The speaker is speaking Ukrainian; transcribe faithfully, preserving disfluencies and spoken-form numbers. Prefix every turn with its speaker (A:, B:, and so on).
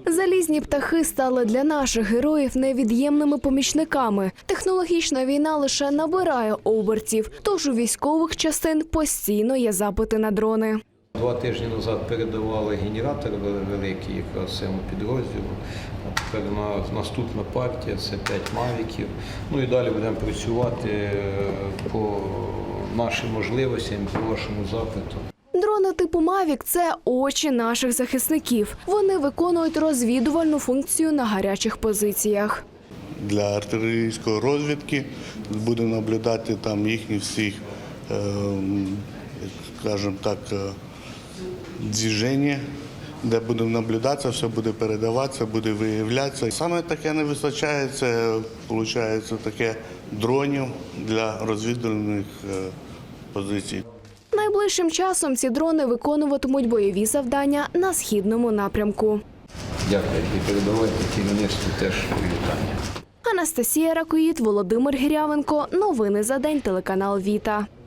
A: Залізні птахи стали для наших героїв невід'ємними помічниками. Технологічна війна лише набирає обертів, тож у військових частин постійно є запити на дрони.
B: Два тижні назад передавали генератор великий якраз цьому підрозділу. А тепер наступна партія – це п'ять мавіків. Ну і далі будемо працювати по нашим можливостям, по вашому запиту.
A: Дрони типу «Мавік» – це очі наших захисників. Вони виконують розвідувальну функцію на гарячих позиціях.
C: Для артилерійської розвідки будемо наблюдати там їхні всі, скажімо так, движення, де будемо наблюдатися, все буде передаватися, буде виявлятися. Саме таке не вистачає, це виходить таке дронів для розвідувальних позицій.
A: Найближчим часом ці дрони виконуватимуть бойові завдання на східному напрямку.
B: Дякую і передавайте керівництву теж вітання.
A: Анастасія Ракоїд, Володимир Гірявенко. Новини за день, телеканал «Віта».